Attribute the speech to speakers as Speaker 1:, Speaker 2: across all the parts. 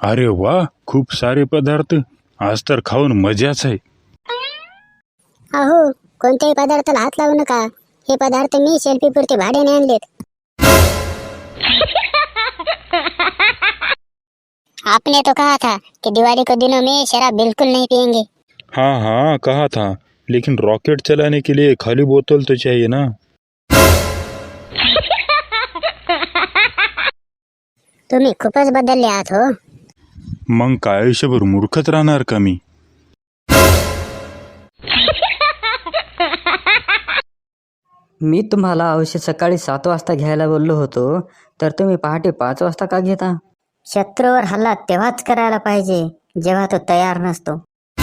Speaker 1: अरे वा, खूप सारे पदार्थ. आज तर खाऊन मजाच आहे.
Speaker 2: अहो, कोणत्याही पदार्थाला हात लावू नका. हे पदार्थ मी सेल्फी पुरते भाड्याने आणलेत. आपने तो कहा था कि दिवाली के दिनों में शराब बिल्कुल नहीं पियेंगे.
Speaker 1: हाँ हाँ कहा था, लेकिन रॉकेट चलाने के लिए खाली बोतल तो चाहिए ना.
Speaker 2: तुम्ही खूपच बदलले आहात हो.
Speaker 1: मग काय आयुष्यभर मूर्खच राहणार का मी.
Speaker 3: मी तुम्हाला औषध सकाळी 7 वाजता घ्यायला बोललो होतो, तर तुम्ही पहाटे 5 वाजता का घेता?
Speaker 2: शत्रूवर हल्ला तेव्हाच करायला पाहिजे जेव्हा तो तयार नसतो.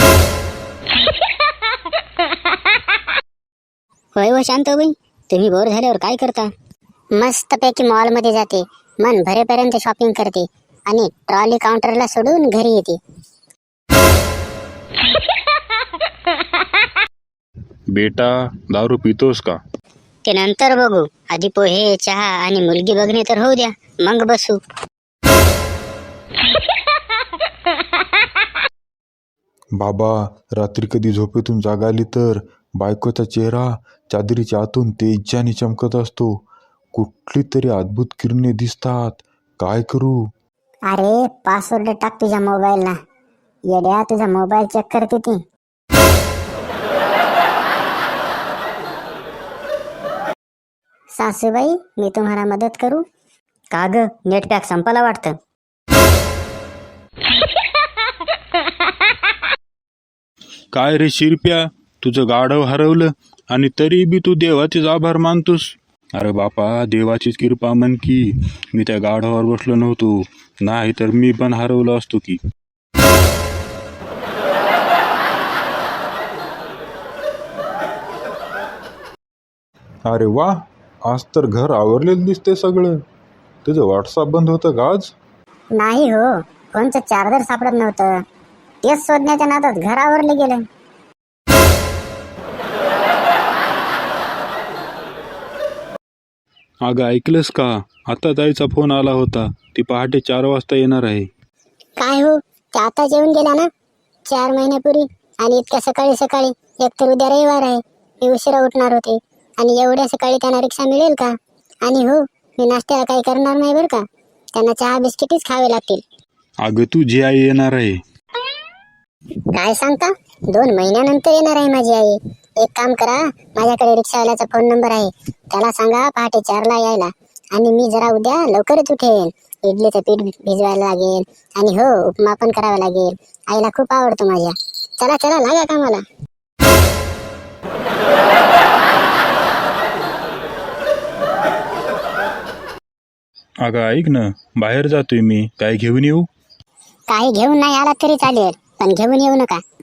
Speaker 2: होय हो शांताबाई, तुम्ही बोर झाल्यावर काय करता? मस्तपैकी मॉलमध्ये जाते, मन भरेपर्यंत शॉपिंग करते आणि ट्रॉली काउंटरला सोडून घरी येते.
Speaker 1: बेटा, दारू पितोस का.
Speaker 2: ते नंतर बघू. आधी पोहे, चहा आणि मुलगी बघणे तर होऊ द्या, मग बसू.
Speaker 4: बाबा, रात्री कधी झोपेतून जाग आली तर बायकोचा चेहरा चादरीच्या आतून तेजाने चमकत असतो. कुठली तरी अद्भुत किरणे दिसतात. काय करू?
Speaker 2: अरे पासवर्ड टाक तुझ्या मोबाईलला. येड्या, तुझा मोबाईल चेक करते ती. सासूबाई, मी तुम्हाला मदत करू का ग? नेट पॅक संपला वाटतं.
Speaker 1: काय रे शिरप्या, तुझं गाढव हरवलं आणि तरी बी तू देवाचेच आभार मानतोस. अरे बापा, देवाचीच कृपा म्हण की मी त्या गाढवावर बसलो नव्हतो, नाही तर मी पण हरवलो असतो की.
Speaker 4: अरे वा, आज तर घर आवरलेलं दिसते सगळं. तुझं व्हॉट्सअप बंद होतं का आज?
Speaker 2: नाही हो, फोनचं चार्जर सापडत नव्हतं. तेच शोधण्याच्या नादात घर आवरले गेलं.
Speaker 1: अगं ऐकलंस का, आता ताईचा फोन आला होता. ती पहाटे 4 वाजता येणार आहे.
Speaker 2: काय हो, ते आता जेवून गेला ना 4 महिन्यापूर्वी. आणि इतक्या सकाळी सकाळी, एकतर उद्या रविवार आहे, मी उशिरा उठणार होते. आणि एवढ्या सकाळी त्यांना रिक्षा मिळेल का? आणि हो, मी नाश्त्याला काही करणार नाही बरं का. त्यांना चहा बिस्किटच खावे लागतील.
Speaker 1: अगं तुझी आई येणार आहे.
Speaker 2: काय सांगता? 2 महिन्यानंतर येणार आहे माझी आई. एक काम करा, माझ्याकडे रिक्षावाल्याचा फोन नंबर आहे, त्याला सांगा पहाटे 4ला यायला. आणि मी जरा उद्या लवकरच उठेन. इडलीचं पीठ भिजवायला लागेल आणि हो, उपमा पण करावा लागेल. आईला खूप आवडतो माझ्या. चला चला, लागा कामाला.
Speaker 1: अगं ऐक ना, बाहेर जातोय मी, काय घेऊन येऊ?
Speaker 2: काही घेऊन नाही आला तरी चालेल, पण घेऊन येऊ नका.